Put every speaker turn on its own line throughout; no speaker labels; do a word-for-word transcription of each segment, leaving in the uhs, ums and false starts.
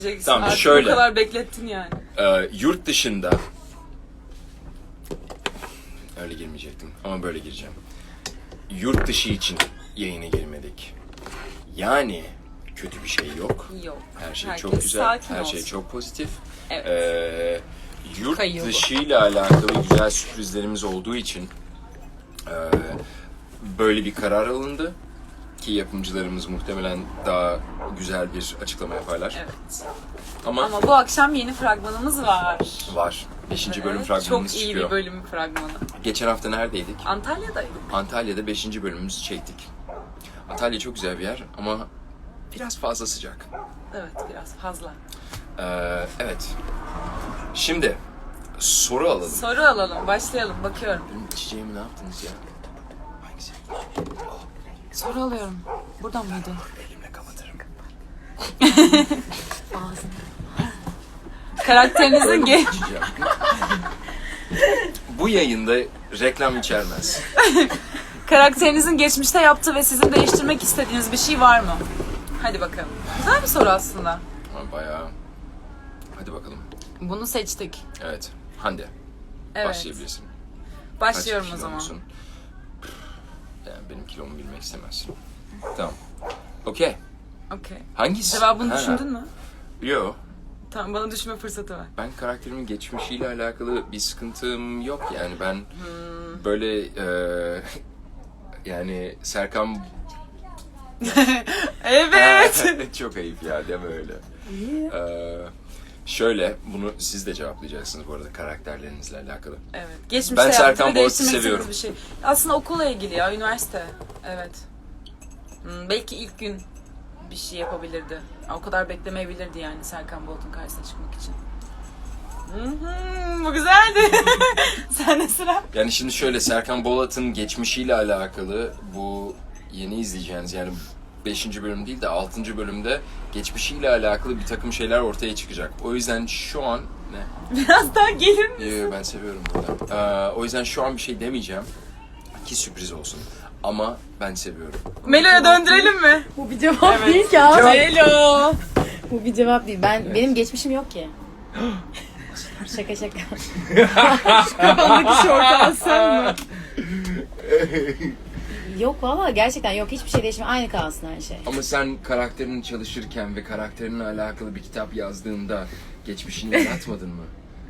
Tamam
Artık
şöyle.
Bu kadar beklettin yani.
E, yurt dışında öyle girmeyecektim ama böyle gireceğim. Yurt dışı için yayına girmedik. Yani kötü bir şey yok.
Yok.
Her şey
Herkes
çok güzel.
sakin
Her
olsun.
şey çok pozitif.
Evet.
Ee, yurt
Kayıyor bu.
dışıyla alakalı güzel sürprizlerimiz olduğu için e, böyle bir karar alındı. Ki yapımcılarımız muhtemelen daha güzel bir açıklama yaparlar.
Evet.
Ama,
Ama bu akşam yeni fragmanımız var.
var. Beşinci bölüm
Evet,
fragmanımız
Çok iyi
çıkıyor.
bir bölüm fragmanı.
Geçen hafta neredeydik?
Antalya'daydık.
Antalya'da beşinci bölümümüzü çektik. Antalya çok güzel bir yer ama biraz fazla sıcak.
Evet, biraz fazla.
Ee, evet. Şimdi soru alalım.
Soru alalım, başlayalım. Bakıyorum.
Benim içeceğimi ne yaptınız ya? Hangisi?
Soru alıyorum. Buradan mıydı?
Elimle kapatırım.
Karakterinizin ge
İçeceğim. Bu yayında reklam içermez.
Karakterinizin geçmişte yaptığı ve sizin değiştirmek istediğiniz bir şey var mı? Hadi bakalım. Güzel bir soru aslında.
Ama bayağı... Hadi bakalım.
Bunu seçtik.
Evet. Hande.
Evet.
Başlayabilirsin.
Başlıyorum
Kaç
o zaman.
kilomusun? Yani benim kilomu bilmek istemezsin. Tamam. Okey.
Okey.
Hangisi?
Cevabını
Ha.
düşündün mü?
Yo.
Tamam, bana düşünme fırsatı ver.
Ben karakterimin geçmişiyle alakalı bir sıkıntım yok yani ben
Hmm.
böyle e, yani Serkan
Evet.
çok ayıp ya deme öyle. Ee, şöyle bunu siz de cevaplayacaksınız bu arada karakterlerinizle alakalı.
Evet. Geçmişte
Ben
yaptığı
Serkan
ve
Boğaz'ı
değiştirmek
seviyorum.
istediğiniz bir şey. Aslında okulla ilgili ya, üniversite. Evet. Hmm, belki ilk gün bir şey yapabilirdi. O kadar beklemeyebilirdi yani Serkan Bolt'un karşısına çıkmak için. Hı-hı, bu güzeldi. Sen de sıra.
Yani şimdi şöyle Serkan Bolat'ın geçmişiyle alakalı bu yeni izleyeceğiniz yani beşinci bölüm değil de altıncı bölümde geçmişiyle alakalı bir takım şeyler ortaya çıkacak. O yüzden şu an ne?
Biraz daha gelir mi?
Yo, ben seviyorum burada. Ee, o yüzden şu an bir şey demeyeceğim ki sürpriz olsun. Ama ben seviyorum.
Melo'ya döndürelim mi?
Bu bir cevap değil ki abi.
Melo.
Bu bir cevap değil. Ben
Evet.
benim geçmişim yok ki. Şaka şaka.
Kafandaki şortu alsan mı?
Yok valla gerçekten yok. Hiçbir şey değişmiyor. Aynı kalsın her şey.
Ama sen karakterini çalışırken ve karakterinle alakalı bir kitap yazdığında geçmişini yaratmadın mı?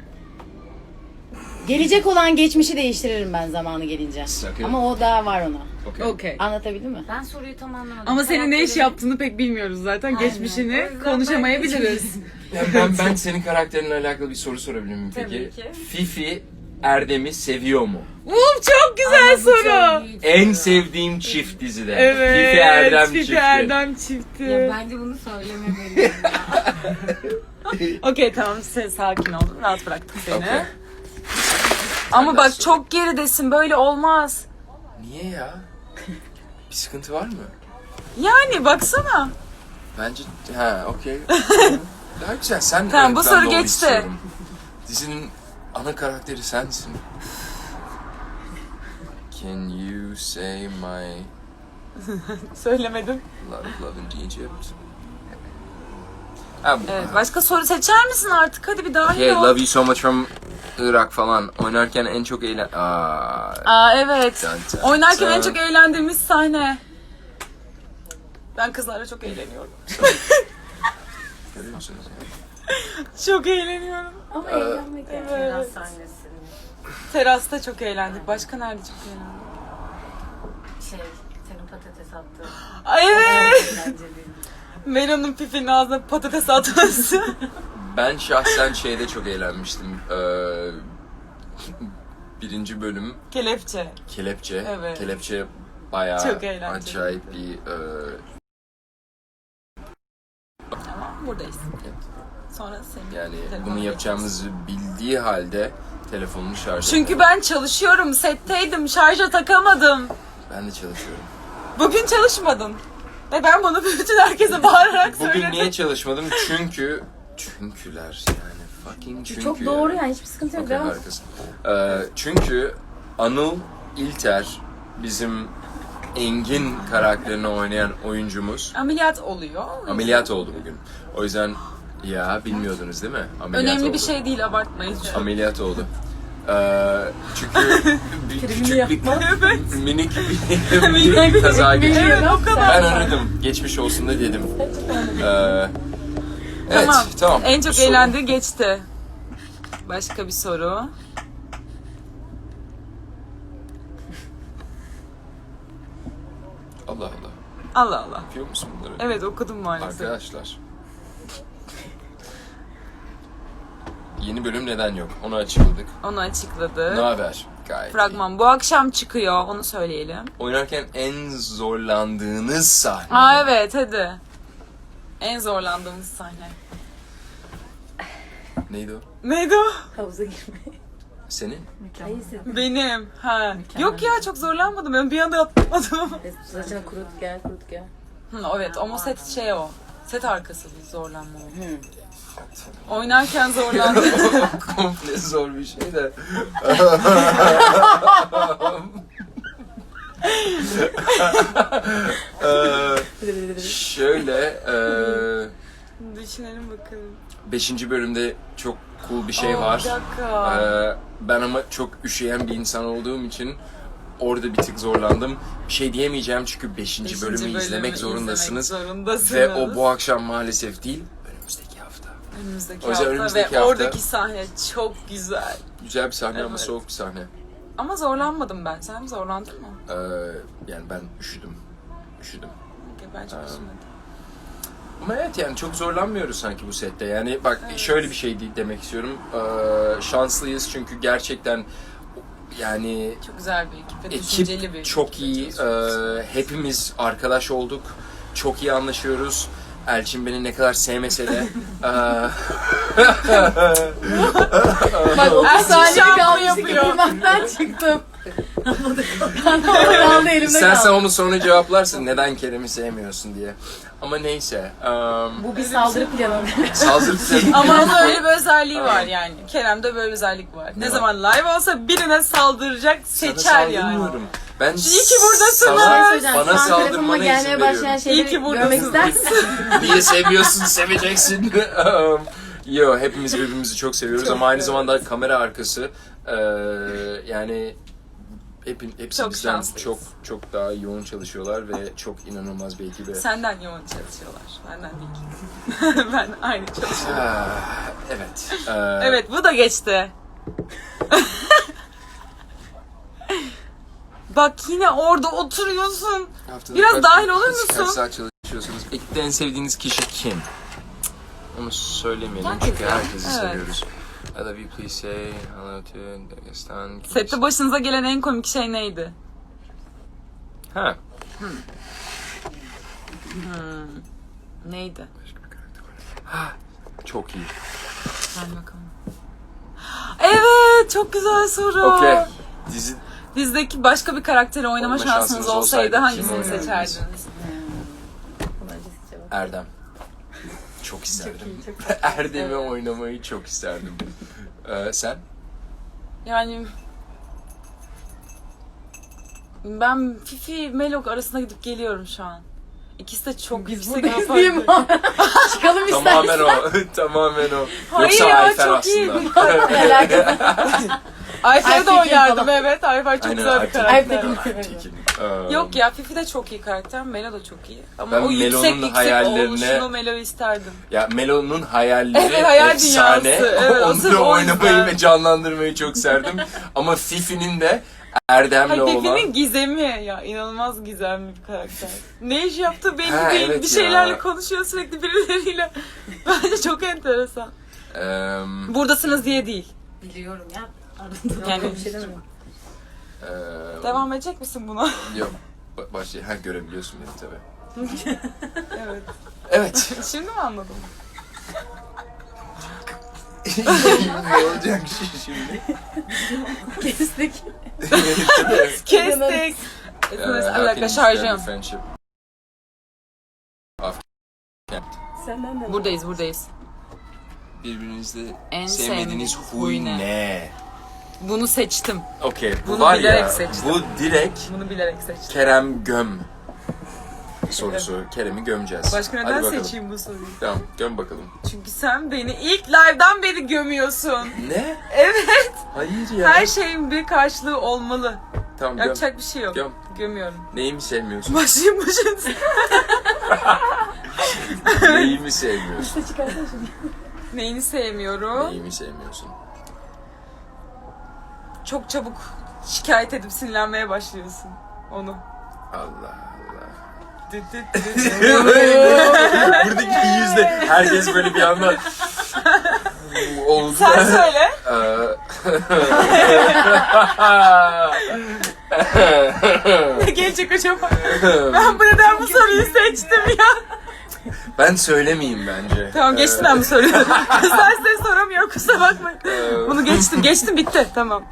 Gelecek olan geçmişi değiştiririm ben zamanı gelince.
Sakın.
Ama o daha var ona.
Okey.
Okey.
Anlatabildim mi?
Ben soruyu tam anlamadım.
Ama senin ne iş
Karakterin-
yaptığını pek bilmiyoruz zaten.
Aynen.
Geçmişini
O yüzden
konuşamayabiliriz.
Ya ben, ben senin karakterinle alakalı bir soru sorabilir miyim peki?
Tabii ki.
Fifi Erdem'i seviyor mu?
Uf, çok güzel
Ama bu
soru.
çok büyük
En
soru.
sevdiğim çift dizide.
Evet.
Fifi Erdem
Fifi
çifti.
Erdem çifti.
Ya bence bunu söylememeliyim ya.
Okey, tamam, sen sakin ol. Rahat bıraktık seni.
Okey.
Ama
Senden
bak
sonra.
çok geridesin, böyle olmaz.
Niye ya? Bir sıkıntı var mı?
Yani baksana.
Bence ha okey. Daha güzel sen
Tamam, bu
ön
soru
planda ol
geçti.
istiyorum. Dizinin ana karakteri sensin. Can you say my
Söylemedim.
love love in Egypt? Ha,
Evet, başka soru seçer misin artık? Hadi bir dahil
Okay,
ol.
love you so much from Irak falan. Oynarken en çok eğlen... Aa,
Aa, evet.
Dun dun
Oynarken en
dun.
çok eğlendiğimiz sahne. Ben kızlarla çok eğleniyorum.
görüyor musunuz?
Çok eğleniyorum.
Ama
Ee,
eğlenmek
Biraz sahnesini.
Terasta çok eğlendik. Başka nerede çok eğlendik?
Şey, senin patates attığın.
Ay, evet.
Eğlenceliydi.
Melo'nun Fifi'nin ağzına patates atması.
Ben şahsen şeyde çok eğlenmiştim. Ee, birinci bölüm
Kelepçe.
Kelepçe.
Evet.
Kelepçe bayağı
Çok eğlenceli.
acayip bir... E,
Tamam, buradayız. Sonra senin
yani
telefonuna
bunu yapacağımızı bildiği halde telefonunu şarj
Çünkü
etmedi.
ben çalışıyorum, setteydim, şarja takamadım.
Ben de çalışıyorum.
Bugün çalışmadın. Ve ben bunu bütün herkese bağırarak
Bugün
söyledim.
niye çalışmadım? Çünkü... Çünküler yani. Fucking çünkü.
Çok doğru yani hiçbir sıkıntı yok.
Okey,
Devam.
harikasın. Ee, çünkü Anıl İlter bizim Engin karakterini oynayan oyuncumuz
Ameliyat oluyor.
ameliyat oldu bugün. O yüzden Ya bilmiyordunuz değil mi? Ameliyat
Önemli
oldu.
bir şey değil, abartmayın.
Ameliyat oldu. Ee, çünkü bir küçük bir minik bir, bir kaza geçirdim.
Evet, o kadar.
Ben aradım. Geçmiş olsun da dedim. Ee, evet,
Tamam.
tamam.
En çok
Soru-
eğlendiği geçti. Başka bir soru.
Allah Allah.
Allah Allah.
Yapıyor musun bunları?
Evet, okudum maalesef.
Arkadaşlar. Yeni bölüm neden yok? Onu açıkladık.
Onu
Ne
açıkladı.
haber? Gayet iyi.
Fragman bu akşam çıkıyor. Onu söyleyelim.
Oynarken en zorlandığınız sahne.
Aa evet, hadi. En zorlandığımız sahne.
Neydi o?
Neydi o?
Havuza girmeyi.
Senin?
Hayır sen.
Benim. Ha. Yok ya, çok zorlanmadım. Ben bir anda atlamadım.
Saçını kurut gel kurut gel.
Hı, evet ama set şey o. Set arkası bir zorlanma o.
Hı.
Oynarken zorlandım.
Komple zor bir şey de. Ee, şöyle, e,
Düşünelim bakalım.
beşinci bölümde çok cool bir şey
Aa,
var.
Bir dakika.
Ee, ben ama çok üşüyen bir insan olduğum için orada bir tık zorlandım. Bir şey diyemeyeceğim çünkü beşinci,
Beşinci
bölümü,
bölümü
izlemek zorundasınız.
izlemek zorundasınız.
Ve o bu akşam maalesef değil, önümüzdeki hafta.
Önümüzdeki
O yüzden
hafta
önümüzdeki
ve
hafta-
oradaki sahne çok güzel.
Güzel bir sahne ama
Evet.
soğuk bir sahne.
Ama zorlanmadım ben. Sen zorlandın mı?
Ee, yani ben üşüdüm. Üşüdüm.
Okey, ben çok üzülmedim.
Ama evet yani çok zorlanmıyoruz sanki bu sette. Yani bak şöyle bir şey de- demek istiyorum. Ee, şanslıyız çünkü gerçekten yani
Çok güzel bir ekip ve düşünceli bir
ekip çok iyi.
ekip.
Ee, hepimiz arkadaş olduk. Çok iyi anlaşıyoruz. Elçin beni ne kadar sevmese de ee,
Bak o
Erkek
saniye
şampu
kalmıştı
yapıyor.
kıymaktan çıktım. Ben de orada kaldı elimde
istersen
kaldı.
onu sonra cevaplarsın neden Kerem'i sevmiyorsun diye. Ama neyse. Um,
Bu bir saldırı planı.
saldırı planı.
Ama onun öyle bir özelliği var yani. Kerem'de böyle bir özellik var. Ne
Ne
zaman live olsa birine saldıracak,
Sana
seçer yani.
saldırmıyorum. Ben
İyi ki buradasınız.
sana-
Söyleyeceğim,
bana
şu an telefonuma
saldırmana izin
gelmeye başlayan
veriyorum.
İyi ki
şeyleri
buradasın.
görmek ister misin?
Niye seviyorsun, seveceksin. Um, Yo, hepimiz birbirimizi çok seviyoruz
Çok
ama aynı
evet.
zamanda kamera arkası eee, yani hep, hepsi
Çok
bizden
şanslıyız.
çok çok daha yoğun çalışıyorlar ve çok inanılmaz bir ekibe.
Senden yoğun çalışıyorlar. Benden değil. Ben aynı çalışıyorum.
Ah, evet. eee,
Evet, bu da geçti. Bak yine orada oturuyorsun.
haftada
Biraz
kaç-
dahil olur
kaç-
musun?
Kaç saat çalışıyorsunuz? Ekipte en sevdiğiniz kişi kim? Cık, Onu söylemeyelim
Herkes
çünkü
ya.
herkesi
Evet.
seviyoruz. I love you, please say hello to Dagestan.
Sette başınıza gelen en komik şey neydi?
Ha.
Neydi?
Başka bir karakter var. Ha, çok iyi.
Ver bakalım. Evet, çok güzel soru.
Okey. Dizi
Dizdeki başka bir karakteri oynama
Oynama
şansınız
şansınız
olsaydı
olsaydı
hangisini
kimi oynardınız?
seçerdiniz?
Erdem. Çok isterdim. Erdem'i oynamayı çok isterdim. Ee, sen?
Yani ben Fifi Melok arasında gidip geliyorum şu an. İkisi de çok
Biz
yüksek
buradayız
raporlu.
değil mi? Çıkalım
Tamamen
istersen.
o. Tamamen o.
Hayır
Yoksa
ya,
Ayfer
çok iyi.
aslında.
Alakası.
Ayfer'e de
Ayfer
oynardım
falan.
evet. Ayfer çok
Aynen,
güzel bir
Ayfer.
karakter.
Ayfer.
Tekin. Ee,
Yok ya, Fifi de çok iyi karakter. Melo da çok iyi. Ama
Ben
o yüksek
Melo'nun
yüksek
hayallerine-
oluşunu Melo isterdim.
Ya Melo'nun hayalleri
Evet, hayal
efsane.
dünyası. Evet, o sırf
Onu
o
oynamayı
yüzden.
ve canlandırmayı çok serdim. Ama Fifi'nin de Erdem'le
Hayır,
olan...
Fifi'nin gizemi ya. İnanılmaz gizemli bir karakter. Ne iş yaptığı belli
Ha,
değil.
evet
bir şeylerle
ya.
konuşuyor sürekli birileriyle. Bence çok enteresan.
Eee,
Buradasınız diye değil.
Biliyorum ya.
Yani
Bir şey demiyorum.
eee,
devam edecek misin buna?
Yok. Ba- Başla. Ha, görebiliyorsun beni tabii.
Evet.
Evet.
Şimdi mi anladın?
Ne olacak şimdi?
Kestik.
Kestik.
Eee,
Bir dakika
happiness,
şarjım.
friendship.
Senden de.
Buradayız buradayız.
Birbirinizde
En
sevmediğiniz
sevmediğiniz
huy
huy ne?
ne?
Bunu seçtim.
Okey, bu
Bunu
var
bilerek
ya,
seçtim.
bu direkt
Bunu bilerek seçtim.
Kerem Göm. sorusu. Kerem'i gömeceğiz.
Başka
Hadi
neden
bakalım.
seçeyim bu soruyu?
Tamam, göm bakalım.
Çünkü sen beni ilk live'dan beri gömüyorsun.
Ne?
Evet.
Hayır ya.
Her şeyin bir karşılığı olmalı.
Tamam, göm.
Yapacak bir şey yok.
Göm.
Gömüyorum.
Neyimi sevmiyorsun?
Başlayayım başlayayım.
Neyimi sevmiyorsun?
Neyini sevmiyorum?
Neyimi sevmiyorsun?
Çok çabuk şikayet edip sinirlenmeye başlıyorsun. Onu.
Allah Allah.
Düt düt düt.
Buradaki yüzde herkes böyle bir anda oldu.
Sen söyle. Ne gelecek acaba? Ben bu neden bu soruyu seçtim ya?
Ben söylemeyeyim bence.
Tamam geçtim ben bu soruyu. Kızlar size soramıyor kusura bakmayın. Bunu geçtim geçtim bitti tamam.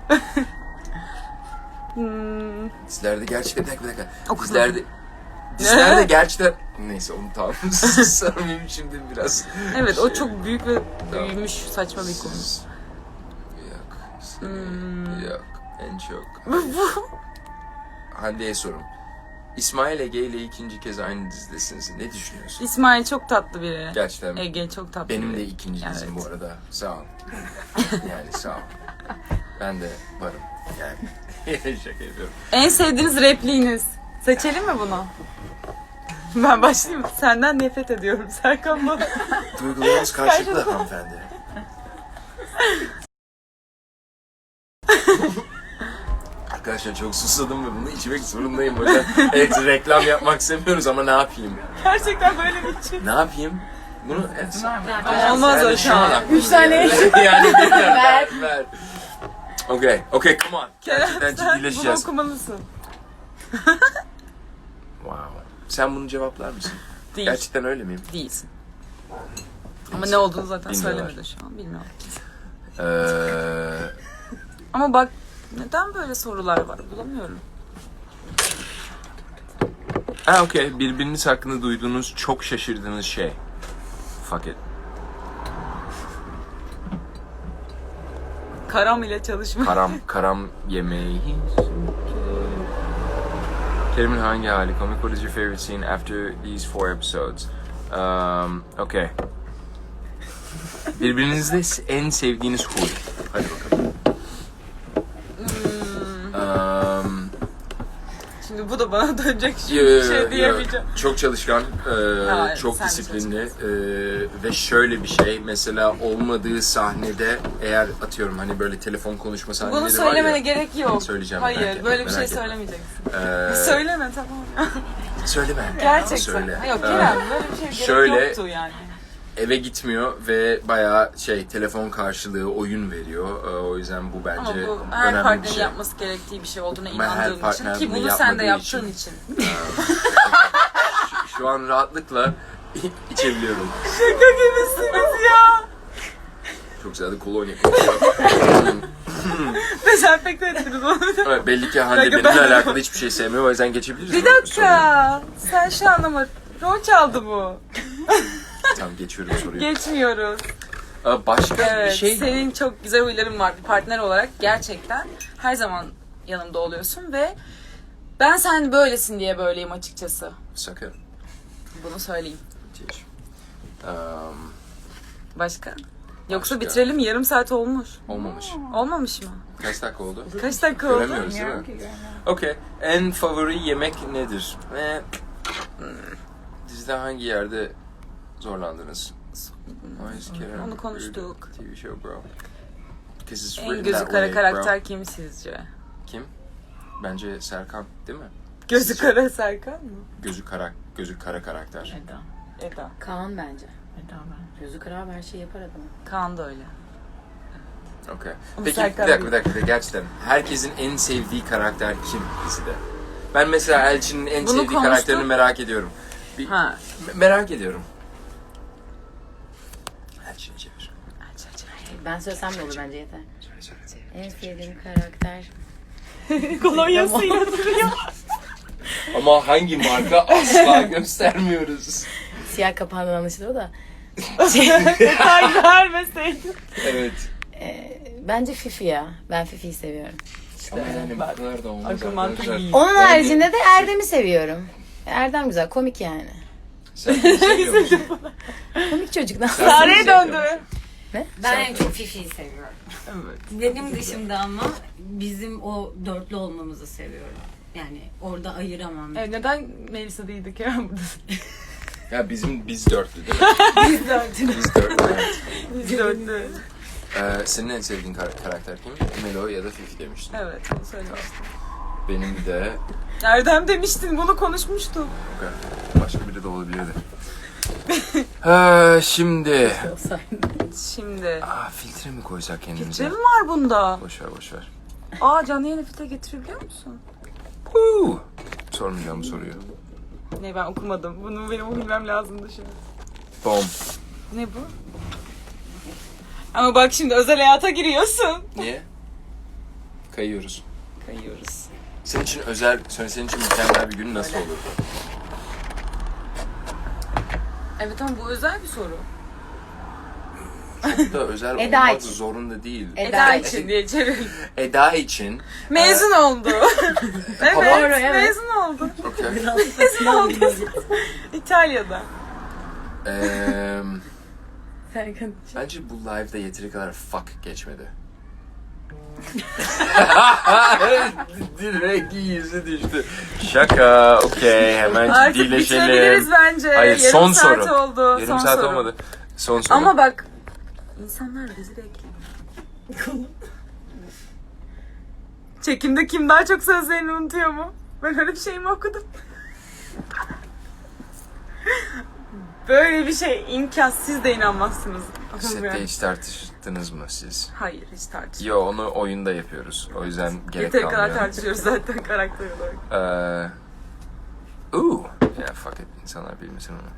hmm.
Dizlerde gerçekten bir dakika bir dakika.
Okudum.
Dizlerde Dizlerde gerçekten neyse onu tamam. Sarmayayım şimdi biraz.
Evet o
Şey-
çok büyük ve
Tamam.
büyümüş saçma bir konu.
Yok.
Hmm.
Yok. En çok. Hande'ye sorum. İsmail Ege ile ikinci kez aynı dizidesiniz. Ne düşünüyorsun?
İsmail çok tatlı biri.
Gerçekten
Ege çok tatlı
benim
biri.
de ikinci
Evet.
dizim bu arada. Sağ ol. Yani sağ ol. Ben de varım. Yani şaka yapıyorum.
En sevdiğiniz repliğiniz. Seçelim mi bunu? Ben başlayayım mı? Senden nefret ediyorum Serkan bana.
Duygularınız karşılıklı hanımefendi. Arkadaşlar çok susadım ve bunu içmek zorundayım. O yüzden evet reklam yapmak istemiyoruz ama ne yapayım?
Gerçekten böyle bir şey.
Ne yapayım? Bunu evet.
Olmaz o şu an.
Üç tane. Yani ver.
Ver.
ver. Okay, okay, come on. Gerçekten
Sen bunu
ciddileşeceğiz.
okumalısın.
Wow. Sen bunu cevaplar mısın?
Değil.
Gerçekten öyle miyim?
Değilsin. Ama ne olduğunu zaten
Bilmiyorlar.
söylemedi şu an bilmiyorum.
Ee,
Ama bak neden böyle sorular var bulamıyorum.
ha okey. Birbiriniz hakkında duyduğunuz çok şaşırdığınız şey. Fuck it.
Karam ile çalışma.
Karam, karam yemeği. Kerim'in hangi hali? Comic, what is your favorite scene after these four episodes? Um, okay. Birbirinizde en sevdiğiniz huy. Hadi bakalım. Um,
Şimdi bu da bana dönecek şimdi
Yo,
bir
yo,
şey
yo.
diyemeyeceğim.
Çok çalışkan, e,
Ha,
çok
sen de
disiplinli e, ve şöyle bir şey, mesela olmadığı sahnede eğer atıyorum hani böyle telefon konuşma sahneleri
Bunu
var
söylemene
ya.
gerek yok.
Söyleyeceğim, merak
Hayır
etme,
böyle bir şey
merak etme.
söylemeyeceksin.
E,
Söyleme tamam.
söyleme.
Gerçekten.
Söyle.
Yok
E,
Kerem böyle bir şey gerek
şöyle-
yoktu yani.
eve gitmiyor ve bayağı şey telefon karşılığı oyun veriyor. E, o yüzden bu
Ama
bence
bu her
önemli bir
partnerin
şey.
yapması gerektiği bir şey olduğuna
Ama her
inandığım için
partner
ki
bunu
bunu sen de
yapmadığı
yaptığın için.
Şu, şu an rahatlıkla içebiliyorum.
Şaka gibisiniz ya.
Çok güzel de kolonya.
Dezenfekte ettiniz onu.
Evet, belli ki Hande
Dakika,
benimle
ben-
alakalı hiçbir şey sevmiyor. O yüzden geçebiliriz.
Bir
mi? Soruyu.
dakika. Sen şu an ama rol çaldı bu.
Tamam geçiyorum soruyu.
Geçmiyoruz.
Aa, başka
Evet,
bir şey...
senin çok güzel huyların var bir partner olarak. Gerçekten her zaman yanımda oluyorsun ve ben sen böylesin diye böyleyim açıkçası.
Sakın.
Bunu söyleyeyim.
Um,
Başka? Yoksa
Başka.
bitirelim yarım saat olmuş.
olmamış.
Olmamış mı?
Kaç dakika oldu?
Kaç dakika oldu?
Göremiyoruz değil mi? Okey. En favori yemek nedir? Ve dizide hangi yerde zorlandınız?
Onu konuştuk.
T V show bro. 'Cause it's
En
written
gözü
that
kara
way,
karakter
bro.
kim sizce?
Kim? Bence Serkan değil mi?
Gözü
Sizce?
kara Serkan mı?
Gözü kara, gözü kara karakter.
Eda.
Eda.
Kaan bence. Eda ben. Gözü kara her şeyi yapar adam.
Kaan da öyle.
Okay.
Ama
Peki
Serkan
bir dakika bir
değil.
dakika gerçekten herkesin en sevdiği karakter kim dizide? Ben mesela Elçin'in en
Bunu
sevdiği
konuştuk.
karakterini merak ediyorum. Bir,
Ha.
me- merak ediyorum. Elçin'i çevir.
Ben söylesem de olur bence yeter.
Söyle söyle.
En sevdiğim karakter.
Kolonyasıyla duruyor.
Ama hangi marka asla göstermiyoruz.
Siyah kapağından anlaşılıyor da.
Detay vermeseydin.
Evet.
Ee, bence Fifi ya. Ben Fifi'yi seviyorum.
Ama yani bu kadar da olmaz
Akıl mantık
arkadaşlar.
iyi.
Onun
Bence-
haricinde de Erdem'i seviyorum. Erdem güzel, komik yani.
Sen beni seviyor musun?
Komik çocuk.
Sen beni
Sare'ye
seviyor
döndü.
musun?
Ben en çok Fifi'yi seviyorum.
Evet.
Benim dışımda ama bizim o dörtlü olmamızı seviyorum. Yani orada ayıramam.
Evet, neden Melisa değildik ya burada?
Ya bizim biz dörtlü değil mi?
Biz dörtlü.
Biz dörtlü. Evet.
Biz döndü.
Ee, senin en sevdiğin kar- karakter kim? Melo ya da Fifi demiştin.
Evet, onu söylemiştim.
Benim de
Erdem demiştin, bunu konuşmuştuk.
okay. Başka biri de olabilirdi. Ha, şimdi
Şimdi.
Aa, filtre mi koysak kendimize?
Filtre mi var bunda?
Boş ver boş ver.
Aa, canlı yayına filtre getirebiliyor musun?
Huu. Sormayacağım bu soruyu.
Ne, ben okumadım. Bunu benim bilmem lazımdı şimdi.
Bom.
Ne bu? Ama bak şimdi özel hayata giriyorsun.
Niye? Kayıyoruz.
Kayıyoruz.
Senin için özel, senin için mükemmel bir gün nasıl olur?
Evet ama bu özel bir soru.
Çok da özel
Eda
olmak
için.
zorunda değil.
Eda
Eda
için.
için diye çevirelim.
Eda için.
Mezun oldu. evet,
Doğru, evet.
mezun oldu.
Okay.
Mezun oldu. İtalya'da.
Eee,
Serkan.
bence bu live'da yeteri kadar fuck geçmedi. Direkt yüzü düştü. Şaka, okey, hemen
Artık
ciddileşelim.
bitirebiliriz bence.
Hayır,
Yarım
son
saat
soru.
oldu.
Yarım
son
saat
soru.
olmadı. Son soru.
Ama bak, insanlar bizi bekliyor. Çekimde kim daha çok sözlerini unutuyor mu? Ben öyle bir şey mi okudum? Böyle bir şey imkansız, siz de inanmazsınız.
Sette hiç tartıştınız mı siz?
Hayır, hiç tartışmıyoruz.
Yo, onu oyunda yapıyoruz. O yüzden gerek
Yeteri kadar
kalmıyor.
tartışıyoruz zaten karakter olarak.
Ee, ooh. Ya fuck it. İnsanlar bilmesin onu.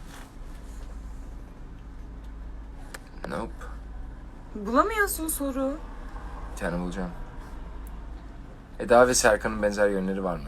Nope.
Bulamıyorsun soru.
Bir tane bulacağım. Eda ve Serkan'ın benzer yönleri var mı?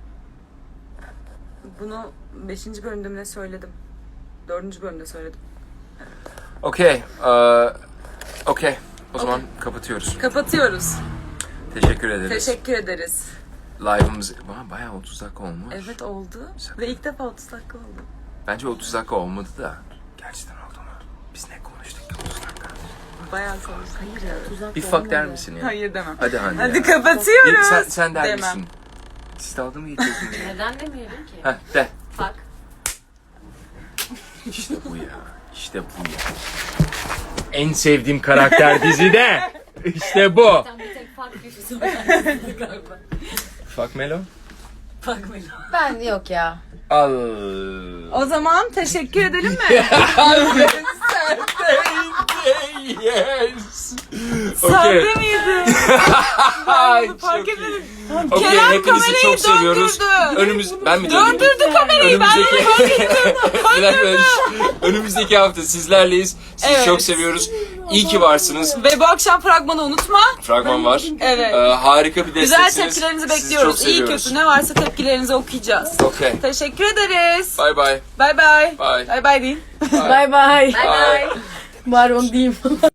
Bunu beşinci bölümde mi ne söyledim? dördüncü bölümde söyledim.
Okey. Ee, Okey. O zaman kapatıyoruz.
Kapatıyoruz.
Teşekkür ederiz.
Teşekkür ederiz.
Live'ımız Aa, bayağı otuz dakika olmuş.
Evet, oldu.
Sakın.
Ve ilk defa otuz dakika oldu.
Bence otuz dakika olmadı da. Gerçekten oldu mu? Biz ne konuştuk ki otuz dakika?
Bayağı konuştuk.
Bir fuck der misin ya?
Hayır demem.
Hadi Hande
Hadi
ya.
kapatıyoruz.
Sen, sen der
Demem.
misin? Siz dalga mı geçiyorsunuz?
Neden demeyelim ki?
Heh, de.
Bak.
İşte bu ya. İşte bu ya. En sevdiğim karakter dizide. İşte bu.
Sen bir tek fark bir söylersin galiba.
Fuck Melo.
Fark mı?
Ben yok ya.
Al.
O zaman teşekkür edelim mi?
Yes.
Sahte miydi?
Ay,
Fark
çok iyi.
etmedim.
Okey,
Kerem
hepinizi
kamerayı
çok seviyoruz.
döndürdü.
Önümüz ben mi döndürdüm?
Döndürdü kamerayı. Ben
Önümüzdeki Bir dakika, önümüzdeki hafta sizlerleyiz. Sizi
Evet.
çok seviyoruz. İyi ki varsınız.
Ve bu akşam fragmanı unutma.
Fragman var.
Evet.
Ee, harika bir
Güzel
desteksiniz.
tepkilerinizi
Sizi
bekliyoruz.
çok
İyi
seviyoruz.
kötü ne varsa tepkilerinizi okuyacağız.
Okey.
Teşekkür ederiz.
Bye bye.
Bye bye.
Bye.
Bye bye deyin.
Bay bay.
Bye bye.
Bari onu diyeyim.